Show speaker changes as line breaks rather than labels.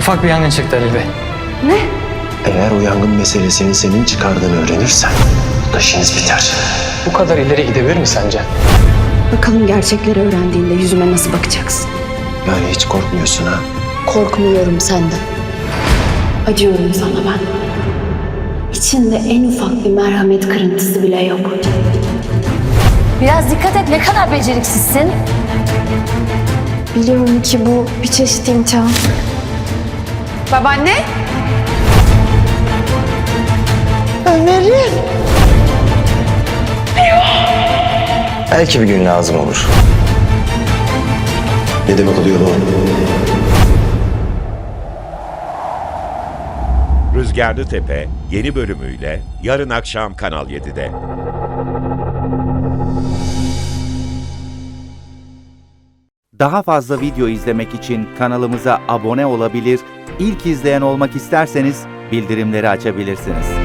Ufak bir yangın çıktı Halil Bey.
Ne?
Eğer o yangın meselesini senin çıkardığını öğrenirsen burada işiniz biter.
Bu kadar ileri gidebilir mi sence?
Bakalım gerçekleri öğrendiğinde yüzüme nasıl bakacaksın?
Yani hiç korkmuyorsun ha?
Korkmuyorum senden. Acıyorum sana ben. İçinde en ufak bir merhamet kırıntısı bile yok.
Biraz dikkat et, ne kadar beceriksizsin.
Biliyorum ki bu bir çeşit imtihan.
Babaanne?
Belki bir gün lazım olur. Ne demek oluyor bu?
Rüzgarlı Tepe yeni bölümüyle yarın akşam Kanal 7'de.
Daha fazla video izlemek için kanalımıza abone olabilir, ilk izleyen olmak isterseniz bildirimleri açabilirsiniz.